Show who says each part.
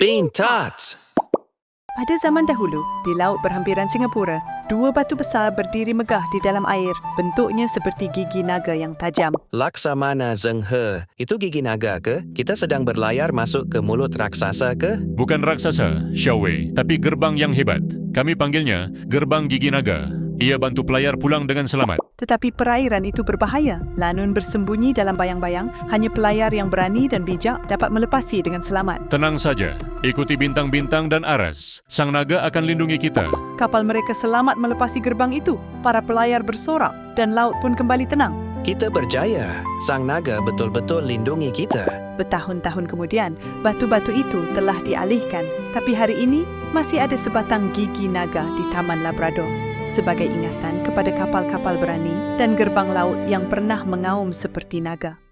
Speaker 1: Pintat!
Speaker 2: Pada zaman dahulu, di laut berhampiran Singapura, dua batu besar berdiri megah di dalam air, bentuknya seperti gigi naga yang tajam.
Speaker 1: Laksamana Zheng He. Itu gigi naga ke? Kita sedang berlayar masuk ke mulut raksasa ke?
Speaker 3: Bukan raksasa, Xiao Wei, tapi gerbang yang hebat. Kami panggilnya Gerbang Gigi Naga. Ia bantu pelayar pulang dengan selamat.
Speaker 2: Tetapi perairan itu berbahaya. Lanun bersembunyi dalam bayang-bayang, hanya pelayar yang berani dan bijak dapat melepasi dengan selamat.
Speaker 3: Tenang saja, ikuti bintang-bintang dan aras. Sang naga akan lindungi kita.
Speaker 2: Kapal mereka selamat melepasi gerbang itu. Para pelayar bersorak dan laut pun kembali tenang.
Speaker 1: Kita berjaya. Sang naga betul-betul lindungi kita.
Speaker 2: Bertahun-tahun kemudian, batu-batu itu telah dialihkan. Tapi hari ini, masih ada sebatang gigi naga di Taman Labrador. Sebagai ingatan kepada kapal-kapal berani dan gerbang laut yang pernah mengaum seperti naga.